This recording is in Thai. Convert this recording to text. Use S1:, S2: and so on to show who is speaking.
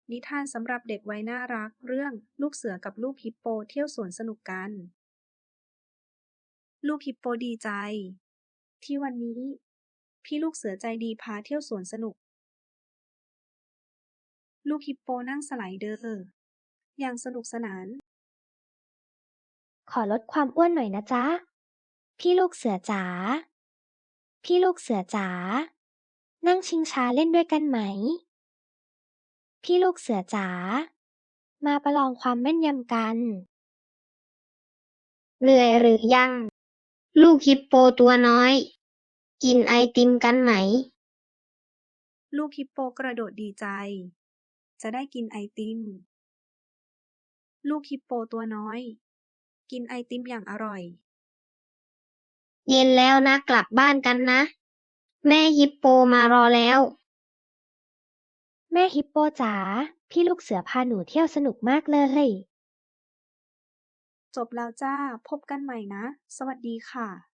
S1: นิทานสำหรับเด็กวัยน่ารักเรื่องลูกเสือกับลูกฮิปโปเที่ยวสวนสนุกกัน ลูกฮิปโปดีใจที่วันนี้พี่ลูกเสือใจดีพาเที่ยวสวนสนุก ลูกฮิปโปนั่งสไลเดอร์อย่างสนุกสนาน
S2: ขอลดความอ้วนหน่อยนะจ๊ะ พี่ลูกเสือจ๋า พี่ลูกเสือจ๋า นั่งชิงช้าเล่นด้วยกันไหม พี่ลูกเสือจ๋า มาประลองความแม่นยำกัน
S3: เหนื่อยหรือยัง ลูกฮิปโปตัวน้อย กินไอติมกันไหม
S1: ลูกฮิปโปกระโดดดีใจ จะได้กินไอติม ลูกฮิปโปตัวน้อย กินไอติมอย่างอร่อย
S3: เย็นแล้วนะกลับบ้านกันนะ แม่ฮิปโปมารอแล้ว
S2: แม่ฮิปโปจ๋า พี่ลูกเสือพาหนูเที่ยวสนุกมากเลย
S1: จบแล้วจ้า พบกันใหม่นะ สวัสดีค่ะ